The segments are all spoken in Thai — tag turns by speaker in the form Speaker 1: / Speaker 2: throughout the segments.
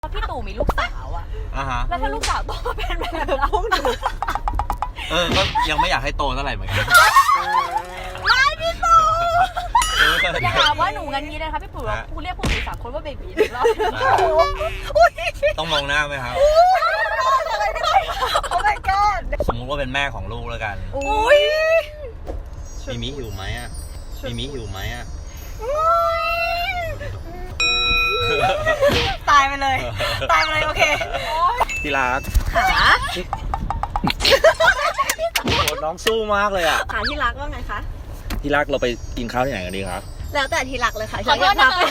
Speaker 1: พี่ตู่มีลูกสาวอะแล้วถ้าลูกสาวโตมาเป็นแบบพวกหนู
Speaker 2: ก็ยังไม่อยากให้โตเท่าไหร่เหมือนกัน
Speaker 1: ไม่พี่ตู่อย่าหาว่าหนูงั้นนี้นะคะพี่ตู่พูดเรียกพวกหนู3 คนว่าเบบีอีกรอบ
Speaker 2: ต้องมองหน้าไหมครับ
Speaker 1: อะไรไม่ได้โอ้ my god
Speaker 2: สมมุติว่าเป็นแม่ของลูกแล้วกัน
Speaker 1: อุ้ย
Speaker 2: มีมิหิวไหมอ่ะมีมิหิวไหมอ่ะ
Speaker 1: ตายไปเลยโอเค
Speaker 2: พี่รัก
Speaker 1: ขา
Speaker 2: น้องสู้มากเลยอ่ะ
Speaker 1: ขาที่รักว่าไงคะ
Speaker 2: ที่รักเราไปกินข้าวที่ไหนกันดีครับ
Speaker 1: แล้วแต่ที่รักเลยค่ะขอโทษนะคะ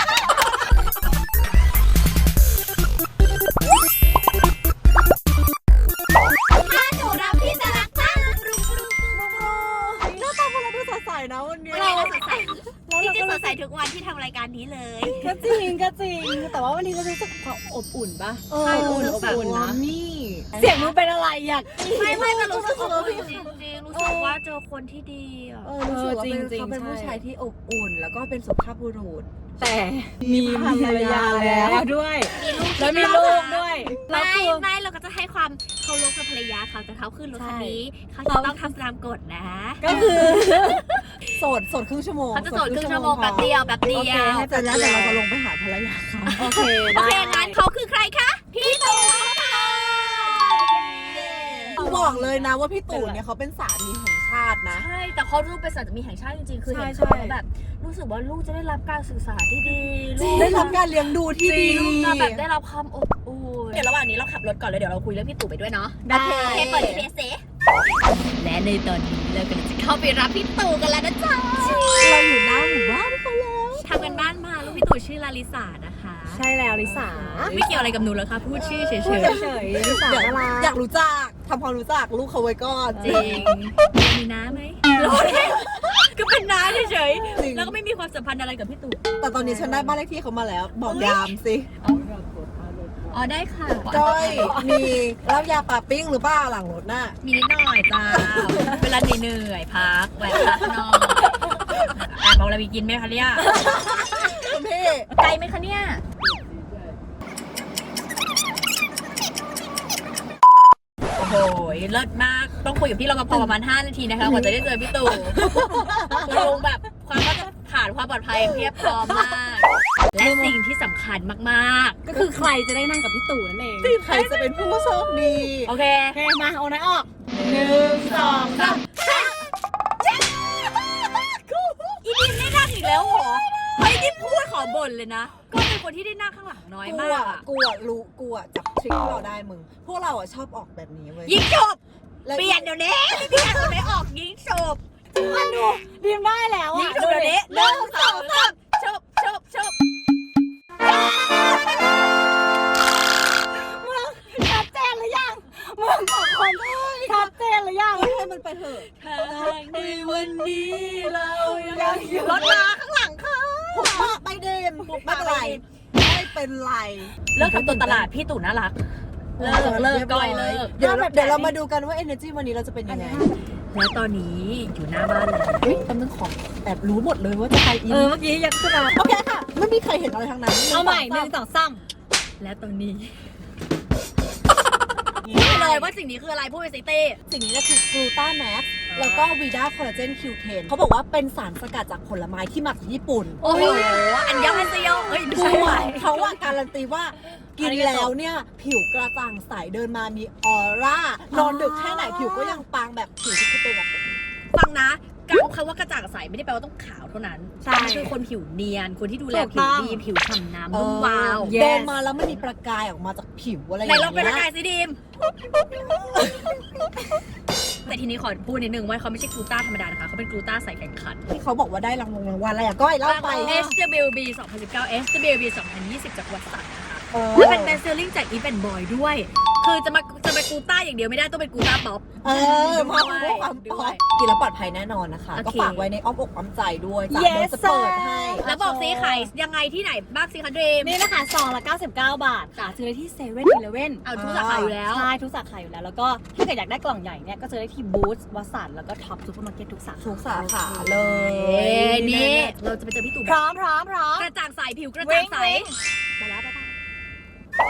Speaker 1: นะวันนี้เราสดใสที่จะสดใสทุกวันที่ทำรายการนี้เลย
Speaker 3: ก็จริงแต่ว่าวันนี้เรารู้สึกความอบอุ่นปะ
Speaker 1: ใช่อบ
Speaker 3: อุ่นนะนี่เสียงมึงเป็นอะไรอยาก
Speaker 1: ไม่แต่รู้สึกจริงรู้สึกว่าเจอคนที่ดีอ่ะ
Speaker 3: รู้สึกว่าเขาเป็นผู้ชายที่อบอุ่นแล้วก็เป็นสุภาพบุรุษแต่มีภรรยาแล้วด้วยแล้วมีลูกด้วย
Speaker 1: ไม่เราก็จะให้ความเคารพกับภรรยาเขาแต่เขาขึ้นรถคันนี้เขาจะต้องทำตามกฎนะ
Speaker 3: ก็คือโสดครึ่งชั่วโมง
Speaker 1: เขาจะโสดครึ่งชั่วโมงแป๊บเดียว
Speaker 3: เสร็จแล้วเดี๋ยวเราจะลงไปหาภรรยาเขา
Speaker 1: โอเคงั้นเขาคือใครคะพี่ตู่
Speaker 3: บอกเลยนะว่าพี่ตู่เนี่ยเขาเป็นสามีแห่งชาตินะ
Speaker 1: ใช่แต่เขารูปเป็นสามีแห่งชาติจริงๆคือเห็นเขาแบบรู้สึกว่าลูกจะได้รับการศึกษาที่ดี
Speaker 3: ได้รับการเลี้ยงดูที่ดี
Speaker 1: ลูกจะแบบได้รับความอบอุ่นเดี๋ยวระหว่างนี้เราขับรถก่อนเลยเดี๋ยวเราคุยเรื่องพี่ตู่ไปด้วยเนาะ
Speaker 3: ได้
Speaker 1: เปิดเพจเซและในตอนนี้เรากำลังจะเข้าไปรับพี่ตู่กันแล้วนะจ๊ะ
Speaker 3: เราอยู่หน้าหมู่บ้านเขาแล้ว
Speaker 1: ทำกันบ้านมาลูกพี่ตู่ชื่อลาลิสานะคะ
Speaker 3: ใช่แล้วลิสา
Speaker 1: ไม่เกี่ยวอะไรกับหนูเลยค่ะพูดชื่อเฉย
Speaker 3: ลิสาอยากรู้จักทำความรู้จักลูกเขาไว้ก่อน
Speaker 1: จริงมีน้าไหมรอเลยก็เป็นน้าเฉยๆแล้วก็ไม่มีความสัมพันธ์อะไรกับพี่ตู่
Speaker 3: แต่ตอนนี้ฉันได้บ้านเลขที่เขามาแล้วบอกยามสิ
Speaker 1: อ๋อได้ค่ะ
Speaker 3: ก้อยมีแล้วยาปาปิ้งหรือเปล่าหลังรถน่ะ
Speaker 1: มีนิดหน่อยจ้าเวลาเหนื่อยพักแวะพักนอนบอกเรามีกินไหมคะเนี่ย
Speaker 3: พี่
Speaker 1: ไกลไหมคะเนี่ยโอ้โหเลิศมากต้องคุยกับพี่รปภประมาณ5 นาทีนะคะกว่าจะได้เจอพี่ตู่ลงแบบความว่าจะผ่านความปลอดภัยเพียบพร้อมมากและสิ่งที่สำคัญมาก
Speaker 3: ๆก็คือใครจะได้นั่งกับพี่ตู่นั่นเองใครจะเป็นผู้โชคดี
Speaker 1: โอเค
Speaker 3: มาเอาไหนออก1 2 3
Speaker 1: อีดินได้นั่งอีกแล้วเหรอเฮ้ยที่พูดขอบ่นเลยนะก็เป็นคนที่ได้นั่งข้างหลังน้อยมาก
Speaker 3: กูจับทริคเราได้มึงพวกเราชอบออกแบบนี้เว้ย
Speaker 1: ยิงจบเปลี่ยนเดี๋ยวนี้เปลี่ยนคนไม่ออกยิงจบ
Speaker 3: มาดูดีมได้แล้ว
Speaker 1: ยิงจบเดี๋ยวนี้1 2 3จบ
Speaker 3: มึงชัดเจนหรือยังมึงบอกคนชัดเจนหรือยังให้มันไปเถอะ
Speaker 1: ในวันนี้เรายังอยู่รถมาข้างหลังค่ะ
Speaker 3: ไปเดินไม่เป็นไร
Speaker 1: เลิกทำตัวตลาดพี่ตู่น่ารักเลิกก้อยเลิก
Speaker 3: เดี๋ยวเรามาดูกันว่า energy วันนี้เราจะเป็นยังไง
Speaker 1: และตอนนี้อยู่หน้าบ้านเลย
Speaker 3: ตำแหน่งของแอบรู้หมดเลยว่าจะใครอิน
Speaker 1: เมื่อกี้ยังขึ้นมา
Speaker 3: โอเคค่ะไม่มีใครเห็นอะไรทั้งนั้น
Speaker 1: เอาใหม่1 2 3และตอนนี้พูดเลยว่าสิ่งนี้คืออะไรพูดไปสิเต้
Speaker 3: สิ่งนี้ก็คือกลูตาแม็กซ์แล้วก็วีด้าคอลลาเจน Q10 เขาบอกว่าเป็นสารสกัดจากผลไม้ที่มาจากญี่ปุ่น
Speaker 1: โอ้โหอันยองอันเซโยเอ้ยไม่ใช่
Speaker 3: เขาว่าการันตีว่ากินแล้วเนี่ยผิวกระจ่างใสเดินมามีออร่านอนดึกแค่ไหนผิวก็ยังปังแบบผิวที่เป็นแบบ
Speaker 1: ฟังนะการคำว่ากระจ่างใสไม่ได้แปลว่าต้องขาวเท่านั้นใช่คือคนผิวเนียนคนที่ดูแลผิวดีผิวฉ่ำน้ำนุ่มวาว
Speaker 3: เดินมาแล้วมันมีประกายออกมาจากผิวอะไรอย่างเงี้ย
Speaker 1: ไหนลองเป็นประกายสิดิมแต่ทีนี้ขอพูดนิดนึงว่าเขาไม่ใช่กลูต้าธรรมดานะคะเขาเป็นกลูต้าใส่แข่งขัน
Speaker 3: ที่เขาบอกว่าได้รางวัลอะไรก้อยเล่าไป
Speaker 1: SWB 2019 SWB 2020 จากวัดสันนะคะและเป็น best selling จาก Even Boy ด้วยคือจะเป็นกลูต้าอย่างเดียวไม่ได้ต้องเป็นกลูต้าป๊อป
Speaker 3: มาด้วยความป๊อปกินแล้วปลอดภัยแน่นอนนะคะก็ฝากไว้ในอ้อมอกอ้อมใจด้วยจากเบอร์จะเปิดให้
Speaker 1: แล้วบอกซิขายยังไงที่ไหนบ้างซิคะดรีม
Speaker 3: นี่นะคะ299 บาทค่ะซื้อได้ที่7-Eleven
Speaker 1: เอาทุกสาขาอยู่แล้ว
Speaker 3: ใช่ทุกสาขาอยู่แล้วแล้วก็ถ้าเกิดอยากได้กล่องใหญ่เนี่ยก็ซื้อได้ที่บูธวัสันแล้วก็ท็อปซูเปอร์มาร์เก็ตทุกสาขา
Speaker 1: เลยนี่เราจะไปเจอพี่ตู่
Speaker 3: พร้อม
Speaker 1: กระจ่างใสผิวกระจ่างใสไปแล้วบ๊ายบาย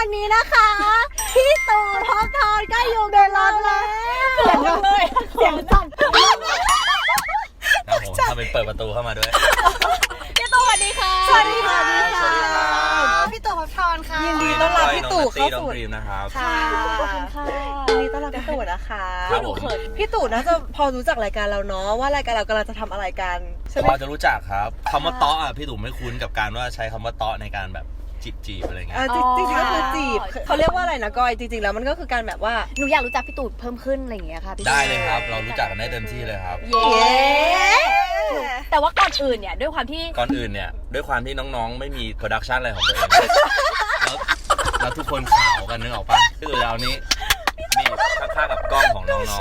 Speaker 3: อนนี้นะคะพี่ตู่ท็อปทอนก็อยู่ในรถแล้วเสียงสั่น
Speaker 2: ครับผมทำเป็นเปิดประตูเข้ามาด้วย
Speaker 1: พี่ตู่สวัสดีค่ะ
Speaker 3: สวัสดีค่ะ
Speaker 2: สวัสดีครับ
Speaker 3: พี่ตู่ท็อปทอนค่ะยินดีต้อนรับพี่ตู่เข้าสู่
Speaker 2: น้องดรีมนะครับ
Speaker 3: ค่ะ
Speaker 1: ขอบคุณค่ะ
Speaker 3: ยินดีต้อนรับพี่ตู่นะคะ
Speaker 2: ครับผม
Speaker 3: พี่ตู่น่าจะพอรู้จักรายการเราเนาะว่ารายการเรากำลังจะทำอะไรกันใช่ไหม
Speaker 2: พอจะรู้จักครับคำว่าเตาะอ่ะพี่ตู่ไม่คุ้นกับการว่าใช้คำว่าเตาะในการแบบจีบอะไรเงี้ย
Speaker 3: จริงๆก็คือจีบเขาเรียกว่าอะไรนะก้อยจริงๆแล้วมันก็คือการแบบว่า
Speaker 1: หนูอยากรู้จักพี่ตู่เพิ่มขึ้นอะไรอย่างเงี้ยค่ะพี่
Speaker 2: ได้เลยครับ เรารู้จักกันได้เต็มที่เลยครับ
Speaker 1: เย้แต่ว่าก่อนอื่นเนี่ยด้วยความที่
Speaker 2: ก่อนอื่นเนี่ยด้วยความที่น้องๆไม่มีโปรดักชันอะไรของตัวเองแล้วทุกคนขาวกันนึกออกปะพี่ตู่เรานี้นี่ข้างๆกับกล้องของน้องๆ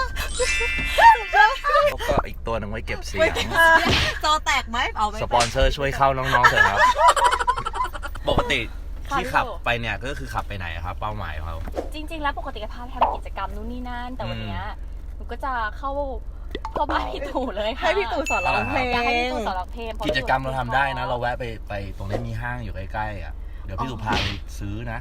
Speaker 2: แล้วก็อีกตัวหนึงไว้เก็บเสียง
Speaker 3: จอแตกไหมเอาไป
Speaker 2: สปอนเซอร์ช่วยเข้าน้องๆเถอะครับ ปกติที่ขับไปเนี่ยก็คือขับไปไหนครับเป้าหมายของเขา
Speaker 1: จริง ๆ แล้วปกติก็พาไปทำกิจกรรมนู่นนี่นั่นแต่วันเนี้ยหนูก็จะเข้าบ้านพี่ตู่เลยค่ะ
Speaker 3: ให้พี่ตู่สอนร้องเพลง
Speaker 1: อยากให้พี่ตู่สอนร้องเพลงพาะ
Speaker 2: กิจกรรมเราทำได้นะ เราแวะไปตรงนี้มีห้างอยู่ใกล้ๆอ่ะเดี๋ยวพี่ตู่พาไปซื้อนะ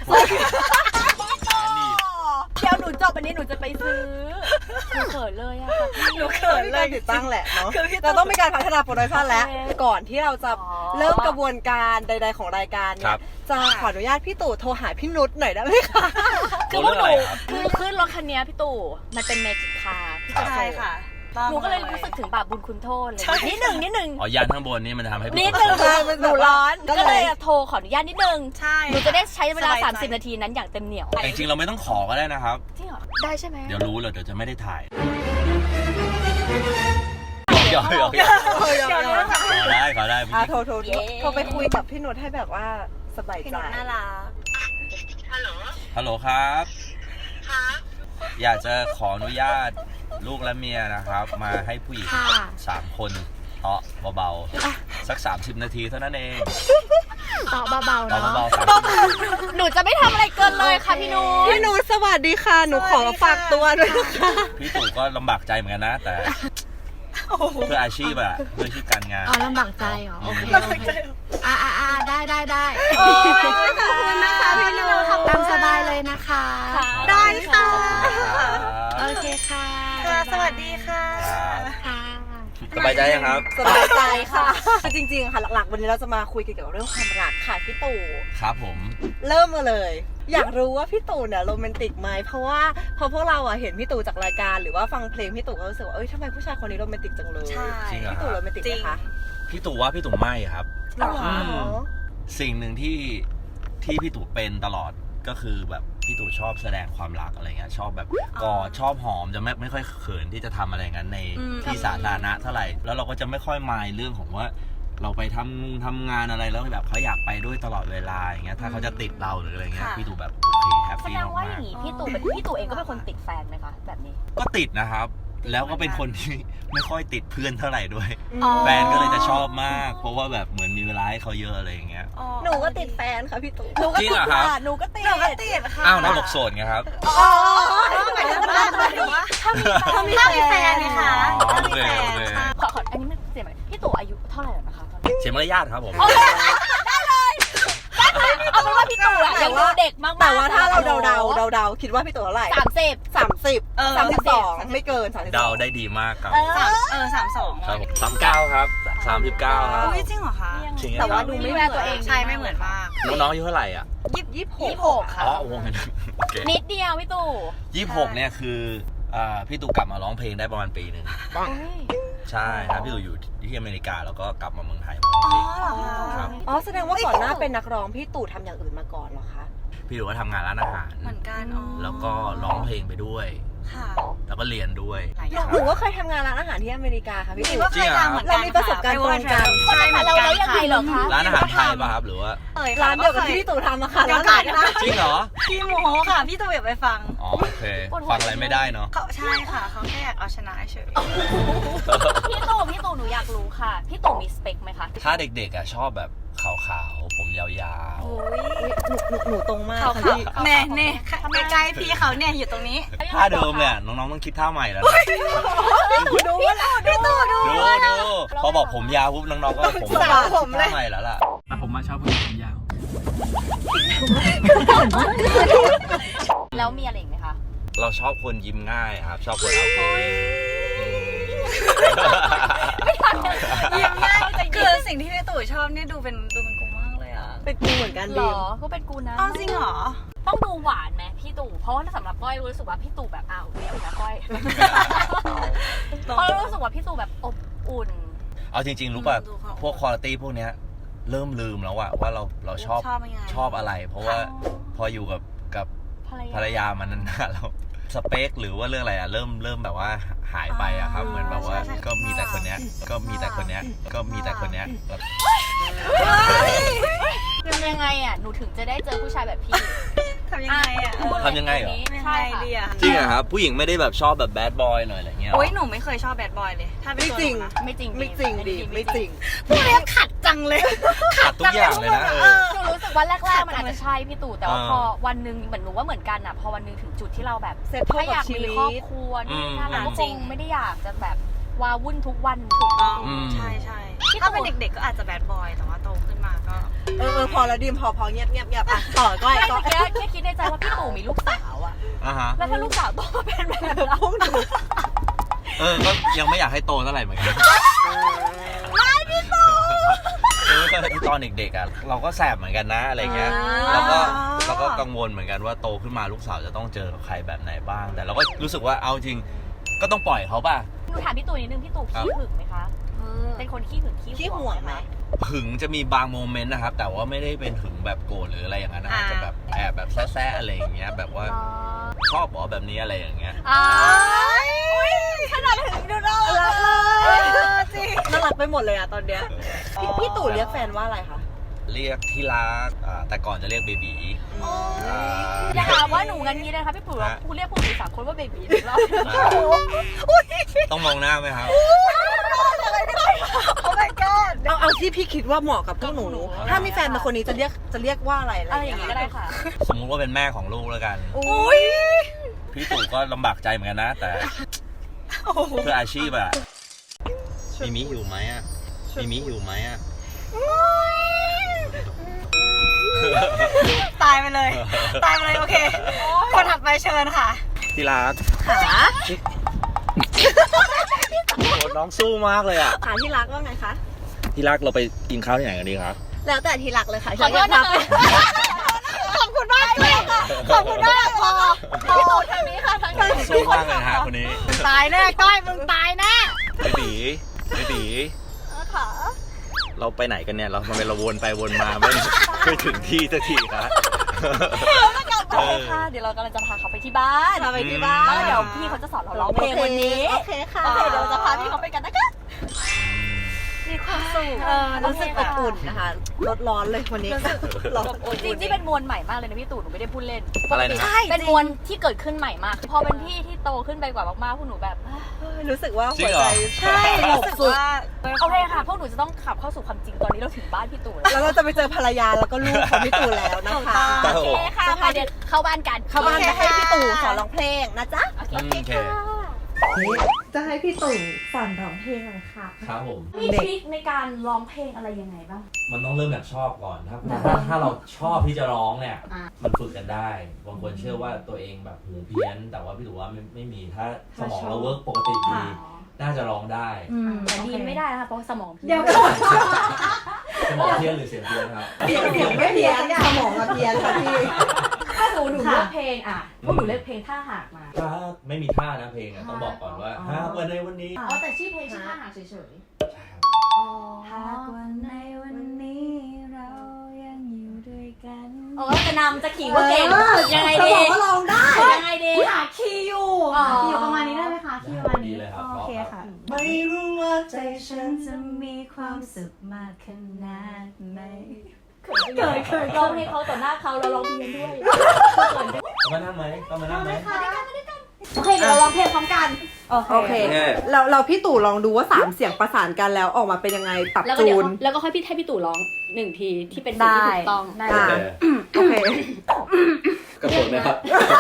Speaker 2: นี่
Speaker 1: เดี๋ยวหนูจบวันนี้หนูจะไปซื้อหนูเขินเลยอะค่ะพี่
Speaker 3: หนูเขินเลยติดตั้งแหละเนาะเราต้องมีการพัฒนาโปรดักชันแล้ว ก่อนที่เราจะเริ่มกระบวนการใดๆของรายการเนี่ยจะขออนุญาตพี่ตู่โทรหาพี่นุชหน่อยได้ไหมคะ
Speaker 2: ตัวเรื่องอะไรครับ
Speaker 1: คือขึ้นรถคันนี้พี่ตู่มันเป็นเมจิกคาร์พี่จะ
Speaker 3: ใช่ค่ะ
Speaker 1: หนูก็เลยรู้สึกถึงบาปบุญคุณโทษเลยนิดหนึ่ง
Speaker 2: อ๋อยานข้างบนนี่มันจะทำให้พี่
Speaker 1: นิด
Speaker 2: ตู่
Speaker 1: หนึ่งหนูร้อน
Speaker 3: ก็
Speaker 1: ก็
Speaker 3: เลย
Speaker 1: เลยโทรขออนุญาตนิดนึง
Speaker 3: ใช่
Speaker 1: หนูจะได้ใช้เวลา30 นาทีนั้นอย่างเต็มเหนียว
Speaker 2: แต่จริงๆเราไม่ต้องขอก็ได้นะครับ
Speaker 1: จริงเหรอได้ใช่ไหม
Speaker 2: เดี๋ยวรู้เลยเดี๋ยวจะไม่ได้ถ่ายหยอก
Speaker 3: เดี๋ยว
Speaker 2: ขอได้
Speaker 3: โทรไปคุยกับพี่นุชให้แบบว่าสบายใจน่ารัก
Speaker 2: ฮัลโหลครับอยากจะขออนุญาตลูกและเมียนะครับ มาให้ผู้หญิง3 คนเตาะเบาๆสัก30 นาทีเท่านั้นเอง
Speaker 1: ต่อเบาๆ
Speaker 2: เตาะ
Speaker 1: เนาะ
Speaker 2: เบาๆ
Speaker 1: หนูจะไม่ทำอะไรเกินเลยค่ะพี่นุช
Speaker 3: พี่นุชสวัสดีค่ะหนูขอฝากตัวด้วยนะคะ
Speaker 2: พี่ตู่ก็ลำบากใจเหมือนกันนะ แต่เพื่ออาชีพอะเพื่ออาชีพการงาน
Speaker 1: อ๋อลำบากใจเหรอโอเคได้ได้
Speaker 3: ขอบคุณนะคะพี่นุช
Speaker 1: ตามสบายเลยนะคะ
Speaker 3: ได้ค่ะ
Speaker 1: โอเคค่ะ
Speaker 3: สวัสดีค่ะ
Speaker 1: ค่ะ
Speaker 2: สบายใจยังครับ
Speaker 3: สบายใจค่ะจริงๆค่ะหลักๆวันนี้เราจะมาคุยเกี่ยวกับเรื่องความรักค่ะพี่ตู่
Speaker 2: ครับผม
Speaker 3: เริ่มมาเลย อยากรู้ว่าพี่ตู่เนี่ยโรแมนติกไหมเพราะว่าพอพวกเราอะเห็นพี่ตู่จากรายการหรือว่าฟังเพลงพี่ตู่ก็รู้สึกว่าเอ้ยทำไมผู้ชายคนนี้โรแมนติกจังเลย
Speaker 2: จริงเหรอ
Speaker 3: พี่ตู่โรแมนติกไหมคะ
Speaker 2: พี่ตู่ว่าพี่ตู่ไม่ครับ
Speaker 3: หรอ
Speaker 2: สิ่งหนึ่งที่พี่ตู่เป็นตลอดก็คือแบบพี่ตู่ชอบแสดงความรักอะไรเงี้ยชอบแบบกอดชอบหอมจะไม่ค่อยเขินที่จะทำอะไรงั้นในที่สาธารณะเท่าไหร่แล้วเราก็จะไม่ค่อยมายเรื่องของว่าเราไปทำงานอะไรแล้วแบบเขาอยากไปด้วยตลอดเวลาอย่างเงี้ยถ้าเขาจะติดเราหรืออะไรเงี้ยพี่ตู่แบบโอเคแฮป
Speaker 1: แส
Speaker 2: ปี้
Speaker 1: ดงว่าอ
Speaker 2: มา
Speaker 1: ย่าก งนี้พี่ตู่เองก็เป็นคนติดแฟนไหมคะแบบนี้
Speaker 2: ๆก็ติดนะครับ แล้วก็เป็นคนที่ไม่ค่อยติดเพื่อนเท่าไหร่ด้วย
Speaker 1: อ๋อ
Speaker 2: แฟนก็เลยจะชอบมาก เพราะว่าแบบเหมือนมีเวลาให้เขาเยอะอะไรอย่างเงี้ย
Speaker 3: หนูก็ติดแฟนค่ะพี่ตู่
Speaker 2: จริงเหรอครับ
Speaker 3: หนูก็ติดค่ะ
Speaker 2: อ้าวน้าบอกโสดไงครับ
Speaker 3: อ๋อหมายถึงว่าถ้ามีแฟนนี่ค่ะ
Speaker 2: อ๋อโอเคโอเค
Speaker 1: ขออันนี้มันเสียไหมพี่ตู่อายุเท่าไหร่แล้วนะคะตอนนี้
Speaker 2: เสียมารยาทครับผม
Speaker 1: เอาเป็นว่าพี่ตู่อะยังดูเด็กมากๆ
Speaker 3: แต่ว่าถ้าเราเดาคิดว่าพี่ตู่เท่าไหร่
Speaker 1: 30
Speaker 3: 32ไม่เกิน32
Speaker 2: เดาได้ดีมากครับ
Speaker 3: 32
Speaker 2: ครับผม39ครับ39ครับ
Speaker 3: อุ้ยจริงเหรอคะ
Speaker 2: จริง
Speaker 1: แต่ว่า
Speaker 2: ครับ
Speaker 1: ดูไม่แววตัวเอง
Speaker 3: ใช่ไม่เหมือนมาก
Speaker 2: น้องๆอายุเท่าไหร่อ่ะ
Speaker 1: 26ค่ะ
Speaker 2: อ๋อโอ้โหโอเค
Speaker 1: นิดเดียวพี่ตู่
Speaker 2: 26เนี่ยคือพี่ตู่กลับมาร้องเพลงได้ประมาณปีหนึ่งใช่ครับพี่ตู่อยู่ที่อเมริกาแล้วก็กลับมาเมืองไทยมาร้องเพลงครับ
Speaker 3: อ๋อแสดงว่าก่อนหน้าเป็นนักร้องพี่ตู่ทำอย่างอื่นมาก่อนเหรอคะ
Speaker 2: พี่ตู่ก็ทำงานร้านอาหาร
Speaker 3: เหมือนกันอ๋อ
Speaker 2: แล้วก็ร้องเพลงไปด้วย
Speaker 3: ค่ะ
Speaker 2: แล้วก็เรียนด้วย
Speaker 3: หนูก็เคยทำงานร้านอาหารที่อเมริกาค่ะพี่ตู่
Speaker 2: จริงเหรอครับ
Speaker 3: เรามีประสบการณ์ตรงกัน
Speaker 1: ใช่เหมือนกันเรายังไงเหรอคะ
Speaker 2: ร้านอาหารไทยป่ะครับหรือว่า
Speaker 3: ร้านเดียวกับที่พี่ตู่ทำอะค่ะร้านอาหาร
Speaker 2: จริงเหรอ
Speaker 4: พี่โมค่ะ พี่ตู่อยากไปฟัง
Speaker 2: อ๋อโอเคฟังอะไรไม่ได้เนาะ
Speaker 4: เขาใช่ค่ะ เขาแค่อยากเอาชนะเฉย
Speaker 1: พี่ตู่หนูอยากรู้ค่ะพี่ตู่มีสเปคไหมคะ
Speaker 2: ถ้าเด็กๆอ่ะชอบแบบขาวๆผมยาว
Speaker 4: โอ้ย
Speaker 3: หนูตรงมาก
Speaker 4: เขา
Speaker 3: ค่ะ
Speaker 4: เขา
Speaker 3: พี่
Speaker 4: แน่แน่ใกล้ๆพี่เขาเนี่ยอยู่ตรงนี้
Speaker 2: ๆท่าเดิมเนี่ยน้องๆต้องคิดท่าใหม่แล้วนะ
Speaker 3: ดูว่าพี่ตู่ดู
Speaker 2: ดูพอบอกผมยาวปุ๊บน้องๆก็ผม
Speaker 3: สาวผมเลย
Speaker 2: ท่าใหม่แล้วล่ะ
Speaker 5: แต่ผมมาชอบผู้หญิงผมยาว
Speaker 1: แล้วมีอะไรอีกไหมคะ
Speaker 2: เราชอบคนยิ้มง่ายครับ ชอบคนเอาโกย
Speaker 1: ยิ้มง่ายแต่
Speaker 4: คือสิ่งที่พี่ตู่ชอบนี่ดูเป็นกูมากเลยอ่ะ
Speaker 3: เป็นกูเหมือนกัน
Speaker 1: หร
Speaker 3: ดี
Speaker 1: อก็เป็นกูนะ
Speaker 4: เอาจริงเหรอ
Speaker 1: ต้องดูหวานไหมพี่ตู่เพราะว่าสำหรับก้อยรู้สึกว่าพี่ตู่แบบเลี้ยงนะก้อยเพราะรู้สึกว่าพี่ตู่แบบอบอุ่น
Speaker 2: เอาจริงๆรู้ป่ะ
Speaker 4: ดูเขา
Speaker 2: พวกคุณภาพพวกเนี้ยเริ่มลืมแล้วอะว่าเราชอบ
Speaker 4: ชอบยังไง
Speaker 2: ชอบอะไร เพราะว่าพออยู่กับภรรยามันนานๆแล้วสเปคหรือว่าเรื่องอะไรอะเริ่มแบบว่าหายไปอะครับเหมือนแบบว่าก็มีแต่คนเนี้ยก็มีแต่คนเนี้ยแบบ
Speaker 1: ยังไงอ่ะหนูถึงจะได้เจอผู้ชายแบบพี่
Speaker 4: ทำยังไงอ่ะ
Speaker 2: ทำยังไงเหรอ
Speaker 1: ใช่
Speaker 4: ดี
Speaker 1: ค่ะ
Speaker 4: อ่ะ
Speaker 2: จริงอะครับผู้หญิงไม่ได้แบบชอบแบบแบดบอยหน่อยอะไรเงี้ยหรอ
Speaker 4: โอ้ยหนูไม่เคยชอบแบดบอยเลย ถ้าเป็น
Speaker 3: ไม่
Speaker 4: ตัว
Speaker 3: จริง
Speaker 4: หนูนะ
Speaker 1: ไม่จริง
Speaker 3: ไม่จริงดิไม่จริง
Speaker 4: พวกนี้ขัดจังเลย
Speaker 2: ขาดทุกอย่างเลยนะ
Speaker 1: หนูรู้สึกว่าแรกๆมันอาจจะใช่พี่ตู่แต่ว่าพอวันหนึ่งเหมือนหนูว่าเหมือนกันอ่ะพอวันหนึ่งถึงจุดที่เราแบบ
Speaker 3: เซ็ตโทร
Speaker 1: ถ้าอยาก
Speaker 3: กับชี
Speaker 1: มี
Speaker 3: วิต
Speaker 1: ครอบครัวนี่นะเราก็คงไม่ได้อยากจะแบบวาวุ่นทุกวันถูกต้อง
Speaker 4: ใช่ใช่ถ้าเป็นเด็กๆก็อาจจะแบดบอยแต่ว่าโตขึ้นมาก็
Speaker 3: พอแล้วดิมพอเงียบอ่ะต่อก้อย
Speaker 1: ไม่
Speaker 3: ก็
Speaker 1: เมื่อกี้แค่คิดในใจว่าพี่ตู่มีลูกสาวอ่ะ
Speaker 2: อ่ะฮะ
Speaker 1: แล้วถ้าลูกสาวโตมาเป็นแบบเรา
Speaker 2: ก็ยังไม่อยากให้โตเท่าไหร่เหมือนกันก็ตอนเด็กๆอ่ะเราก็แสบเหมือนกันนะอะไรเงี้ยเราก็กังวลเหมือนกันว่าโตขึ้นมาลูกสาวจะต้องเจอกับใครแบบไหนบ้าง แต่เราก็รู้สึกว่าเอาจริงก็ต้องปล่อยเขาป่ะ
Speaker 1: หนูถามพี่ตู่นิดนึงพี่ตู่ขี้หึงไหมคะเป็นคนขี้หึง
Speaker 3: ขี้
Speaker 1: ขี้
Speaker 3: ห่วงไหม
Speaker 2: หึงจะมีบางโมเมนต์นะครับ แต่ว่าไม่ได้เป็นหึงแบบโกรธหรืออะไรอย่างนั้นนะอาจจะแบบแอบแบบแซ่ๆอะไรอย่างเงี้ยแบบว่าชอบบอกแบบนี้อะไรอย่างเงี้ย
Speaker 1: ขนาดหึงดูน่ารัก
Speaker 3: จริงน่ารักไปหมดเลยอ่ะตอนเนี้ยพี่ตู่เรียกแฟนว่าอะไรคะ
Speaker 2: เรียกที่รักแต่ก่อนจะเรียกเบบี
Speaker 1: อย่าหาว่าหนูงั้นนี้นะคะพี่ปู่พูดเรียกพวกหนู3 คนว่าเบบีอีกรอบ
Speaker 2: ต้องมองหน้าไหมครับ
Speaker 3: โอ้ my god เอาที่พี่คิดว่าเหมาะกับพวกหนู ถ้ามีแฟนเป็นคนนี้จะเรียกว่าอะไร
Speaker 1: อะไรอย่างนี้ก็ได้ค่ะ
Speaker 2: สมมุติว่าเป็นแม่ของลูกแล้วกัน
Speaker 3: อุ้ย
Speaker 2: พี่ตู่ก็ลำบากใจเหมือนกันนะ แต่เพื่ออาชีพอะมีมิหิวไหมอะมีมิหิวไหมอะ
Speaker 4: ตายไปเลยโอเคคนถัดไปเชิญค่ะ
Speaker 2: ที่รัก
Speaker 3: ขา
Speaker 2: โอ้น้องสู้มากเลยอะ
Speaker 3: ขาที่รักว่าไงคะ
Speaker 2: ที่รักเราไปกินข้าวที่ไหนกันดีครับ
Speaker 3: แล้วแต่ที่รักเลยค่ะ
Speaker 1: ขอโทษนะคะ
Speaker 3: ขอบคุณมากเลยค่ะขอบคุณมากพอ
Speaker 1: พี่ตู่ทางนี้ค่ะทางนี้
Speaker 2: สู้มากเลยนะฮะคนนี้
Speaker 4: ตายแน่ก้อยมึงตายแน่
Speaker 2: เบบีเราไปไหนกันเนี่ยเราทำไมเราวนไปวนมาไม่ถึงที่สักทีครับ
Speaker 1: โอเคค่ะเดี๋ยวเรากำลังจะพาเขาไปที่บ้าน
Speaker 3: พาไปที่บ้าน
Speaker 1: แล้วเดี๋ยวพี่เขาจะสอนเราร้องเพลงวันนี้
Speaker 3: โอเคค่ะ
Speaker 1: โอเคเดี๋ยวเราจะพาพี่เขาไปกันนะคะ
Speaker 3: มีความสุขรู้สึกอบอุ่นนะคะลดร้อนเลยวันนี้ร้อน
Speaker 1: จริงๆเป็นมวลใหม่มากเลยนะพี่ตู่หนูไม่ได้พูดเล่น
Speaker 2: อะไรนะ
Speaker 1: ใช่เป็นมวลที่เกิดขึ้นใหม่มากพอเป็นพี่ที่โตขึ้นไปกว่ามากๆพวกหนูแบบ
Speaker 3: รู้สึกว่า
Speaker 2: จริ
Speaker 3: หั
Speaker 2: ง
Speaker 3: ว
Speaker 2: เหรอ
Speaker 3: ใจใช่รู้สึกว่า
Speaker 1: โอเคค่ะพวกหนูจะต้องขับเข้าสู่ความจริงตอนนี้เราถึงบ้านพี่ตู่แล้ว
Speaker 3: แล้วเราจะไปเจอภรรยาแล้วก็ลูกของพี่ตู่แล้วนะคะ
Speaker 1: โอเคค่ะไปเดี๋ยวเข้าบ้านกัน
Speaker 3: เข้าบ้านไปให้พี่ตู่สอนร้องเพลงนะจ๊ะ
Speaker 1: โอเค
Speaker 2: โอเค
Speaker 3: จะให้พี่ตู่สอนร้องเพลงเลยค่ะ
Speaker 2: ครับผม
Speaker 1: มีทริคในการร้องเพลงอะไรยังไงบ้าง
Speaker 2: มันต้องเริ่มจากชอบก่อนถ้าเราชอบที่จะร้องเนี่ย มันฝึกกันได้บางคนเชื่อว่าตัวเองแบบหูเพี้ยน แต่ว่าพี่ตู่ว่าไม่มีถ้าสมองเราเวิร์กปกติดีน่าจะร้องได้
Speaker 1: แต่ดีไม่ได้นะคะเพราะสมองพี่
Speaker 3: เดี๋ยว
Speaker 2: สมองเพี้ยนหรือเสียงเพี้ยนครับ
Speaker 3: เสียงไม่เพี้ยนสมองอะเพี้ยนค่ะพี่
Speaker 1: ถ้าหนูเลือกเพลงพวกหนูเลือกเพลงท่าหากมา
Speaker 2: ถ้าไม่มีท่านะเพลงอะต้องบอกก่อนว่าหากวันในวันนี้
Speaker 1: อ๋อแต่ชื่อเพลงชื่อท่าหากเฉย
Speaker 2: ใช่ครับ
Speaker 1: ๆ
Speaker 4: หากวันในวันนี้เรายังอยู่ด้วยกัน
Speaker 1: โอ้จะนำจะขี่ว่าเก่งยังไงดี
Speaker 3: ก็ร้องได้
Speaker 1: ยังไงดี
Speaker 4: หาคีย์อยู่
Speaker 1: อ๋อ
Speaker 4: คีย์อยู่ประมาณนี้ได้ไหมคะคีย์ประมาณ
Speaker 2: ดี
Speaker 4: นี้
Speaker 2: เลยครับ
Speaker 4: โอเคค่ะ
Speaker 3: ไม่รู้ว่าใจ
Speaker 4: ฉันจะมีความสุขมากขนาดไหน
Speaker 1: เคยร้องเพลงเขาต่อหน้าเขาเราร้องเพลงด้วย
Speaker 2: ต้องมานั่งไหมต้องมานั่งไหม
Speaker 1: โอเคเดี๋ยวเราร้องเพลงพร้อมกัน
Speaker 3: โอเคเราพี่ตู่ลองดูว่า3เสียงประสานกันแล้วออกมาเป็นยังไงปรับ
Speaker 1: แล้วก็
Speaker 3: จู
Speaker 1: เดี๋ยวน แล้วก็ค่อยให้พี่ตู่ร้อง1 ทีที่เป็นสิ่งที่ถูกต้อง
Speaker 4: ได้
Speaker 3: โอเค
Speaker 2: กระโดดไหมครับ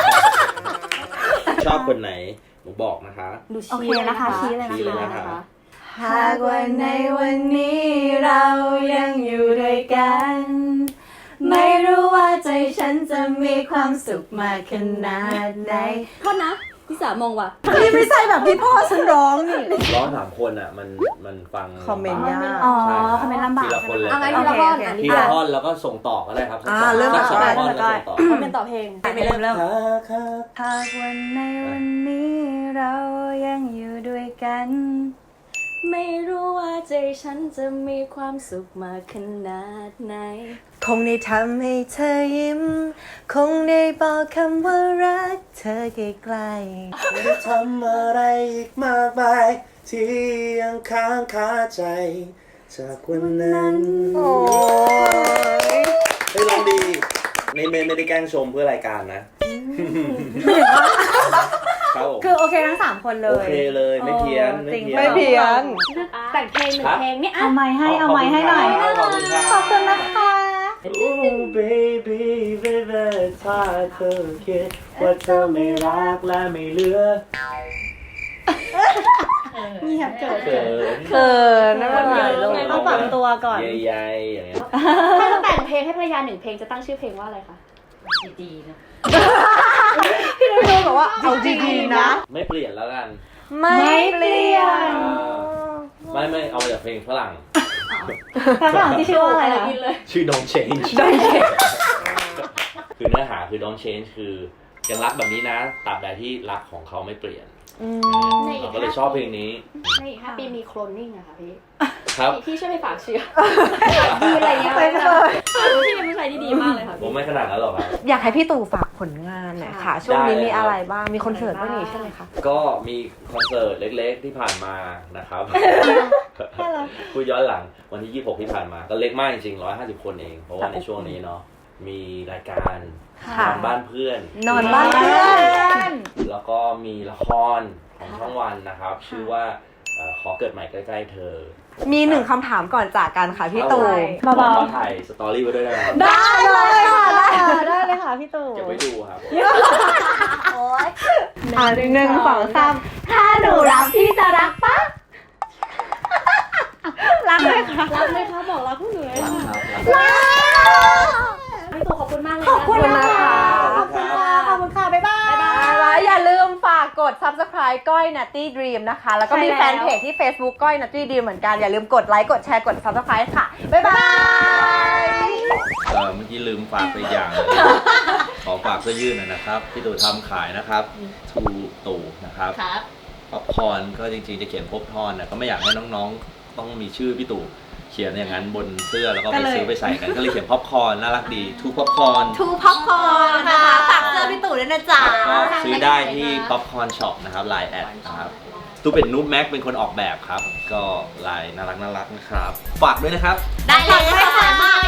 Speaker 2: ชอบคนไหนหนูบอกนะคะ
Speaker 1: ดู
Speaker 4: โอเคนะคะชี้เลย
Speaker 2: ชี้เลย
Speaker 4: นะ
Speaker 2: นะคะ คะ
Speaker 4: หากวันในวันนี้เรายังอยู่ด้วยกัน ไม่รู้ว่าใจฉันจะมีความสุขมากขนาดไหน
Speaker 1: โทษนะพี่สามองว่ะ
Speaker 3: นี่ไม่ใช่แบบที่พ่อฉันร้องนี่
Speaker 2: ร้อง3 คนอ่ะมันฟัง
Speaker 3: คอมเมนต์ยาก
Speaker 4: อ๋อ
Speaker 2: ใช่รับ
Speaker 4: คอมเมนต์ลำบาก
Speaker 2: ทีละคนเลย
Speaker 1: เอาไงทีละท่อนอ่ะ
Speaker 2: ทีละท่อนแล้วก็ส่งต่อก็ได้ครับ
Speaker 3: เริ่ม
Speaker 2: สักสอง
Speaker 3: ได้
Speaker 2: ท่อนแล้วส่งต่อ
Speaker 1: มันเป็นต่อเพลง
Speaker 4: เริ่มหากวันในวันนี้เรายังอยู่ด้วยกัน ไม่รู้ว่าใจฉันจะมีความสุขมากขนาดไหน
Speaker 3: คงได้ทำให้เธอยิ้ม คงได้บอกคำว่ารักเธอใกล้
Speaker 2: ไม่ได้ทำอะไรอีกมากมายที่ยังค้างคาใจ จากวันนั้น
Speaker 3: ๆโอ้ย
Speaker 2: เฮ้ยร้องดีไม่ได้แกล้งชมเพื่อรายการนะครับผม
Speaker 4: คือโอเคทั้ง3คนเล
Speaker 2: โอย เคเลยไม่เพี้ยน
Speaker 4: จริง
Speaker 3: ไม่เพี้ยน
Speaker 1: แต่งเพลง1 เพลงนี่อ่ะ
Speaker 4: เอาไม้ให้หน่อย
Speaker 2: ขอบคุณครับ
Speaker 4: ขอบคุณนะคะ
Speaker 2: Oh baby baby ถ้าเธอคิดว่าเธอไม่รักและไม่เหลือ
Speaker 4: เงียบเกิด
Speaker 2: เขิน
Speaker 3: เขินไม่เป็นไร
Speaker 4: ต้องปรับตัวก่อน
Speaker 2: ใหญ่ๆอย่างเงี้ย
Speaker 1: ถ้าจะแต่งเพลงให้ภรรยา1 เพลงจะตั้งชื่อเพลงว่าอะไรคะดีๆนะ
Speaker 3: พี่นุ้ยบอกว่าเอาดีๆนะ
Speaker 2: ไม่เปลี่ยนแล้วกัน
Speaker 3: ไม่เปลี่ยน
Speaker 2: ไม่เอามาจากเพลงฝรั่ง
Speaker 4: ฝรั่งที่ชื่อว่าอะไรนะ
Speaker 2: ชื่อ Don't Change คือเนื้อหาคือ Don't Change คือยังรักแบบนี้นะตราบใดที่รักของเขาไม่เปลี่ยนเราก็เลยชอบเพลงนี้
Speaker 1: ในอีก5 ปีมีโคลนนิ่งอะค่ะพี่
Speaker 2: ครับ
Speaker 1: พี่ช่วยไปฝากเชื้อดีอะไรเงี้ยพี่เป็นผู้ชายที่ดีมากเลยค่ะ
Speaker 2: ผมไม่ขนาดนั้นหรอกครับ
Speaker 3: อยากให้พี่ตู่ฝากผลงานหน่อยค่ะ ช่วงนี้มีอะไรบ้าง มีคอนเสิร์ตด้วยนี่ใช่ไหมคะ
Speaker 2: ก็มีคอนเสิร์ตเล็กๆที่ผ่านมานะครับพูดย้อนหลังวันที่ 26 ที่ผ่านมาก็เล็กมากจริงๆ150 คนเอง เพราะว่าในช่วงนี้เนาะมีรายการนอนบ้านเพื่อน
Speaker 3: นอนบ้านเพื่อน
Speaker 2: แล้วก็มีละครของช่องวันนะครับ ชื่อว่าขอเกิดใหม่ใกล้ๆเธอ
Speaker 3: มี1คำถามก่อนจากกันค่ะพี่ตู่
Speaker 2: เบาๆถ่ายสตอรี่ไว้ด้วยนะครับ
Speaker 3: ได้เลยค่ะ
Speaker 4: ได้เลยค่ะพี่ตู่
Speaker 2: เก็บไว้ดูครับผม
Speaker 4: โอ๊ย
Speaker 3: 1 2 3
Speaker 4: ถ้าหนูรักพี่จะรักปะ
Speaker 3: รักเลยค่ะ
Speaker 1: รักเลยค่ะบอกรักผู้หนูเลยค่ะ
Speaker 2: ครับ
Speaker 1: พี่ตู่ขอบคุณมากเลย
Speaker 3: ขอบคุณนะคะ
Speaker 4: ขอบคุณค่ะ ขอบคุณค่ะ บ๊ายบาย
Speaker 3: แล้วอย่าลืมฝากกด subscribe ก้อย Nutty Dream นะคะ แล้วก็มี
Speaker 4: ใช่
Speaker 3: แฟ
Speaker 4: แล้ว
Speaker 3: นเพจที่ Facebook ก้อย Nutty Dream เหมือนกัน อย่าลืมกดไลค์ กดแชร์ กด subscribe ค่ะ บ๊ายบาย
Speaker 2: เมื่อกี้ลืมฝากไปอีกอย่างเลยขอฝากเสื้อยืดหน่อยนะครับพี่ตู่ทำขายนะครับทูตู่นะครับ
Speaker 1: ครับ
Speaker 2: ป๊อปคอร์นก็จริงๆจะเขียนพบทอนนะก็ไม่อยากให้น้องๆต้องมีชื่อพี่ตู่เขียนอย่างนั้นบนเสื้อแล้วก็ไปซื้อไปใส่กันก็เลยเขียนป๊อปคอร์นน่ารักดีทูป๊อปคอร์น
Speaker 3: ทูพ็อปคอร์นนะคะ ฝากเสื้อพี่ตู่ด้วยนะจ๊ะ
Speaker 2: ก็ซื้อได้ที่ป๊อปคอร์นช็อปนะครับไลน์แอดนะครับตู้เป็นนูบแม็กเป็นคนออกแบบครับ ก็ลายน่ารักนะครับฝากด้วยนะครับ
Speaker 3: ได้เลยค่ะ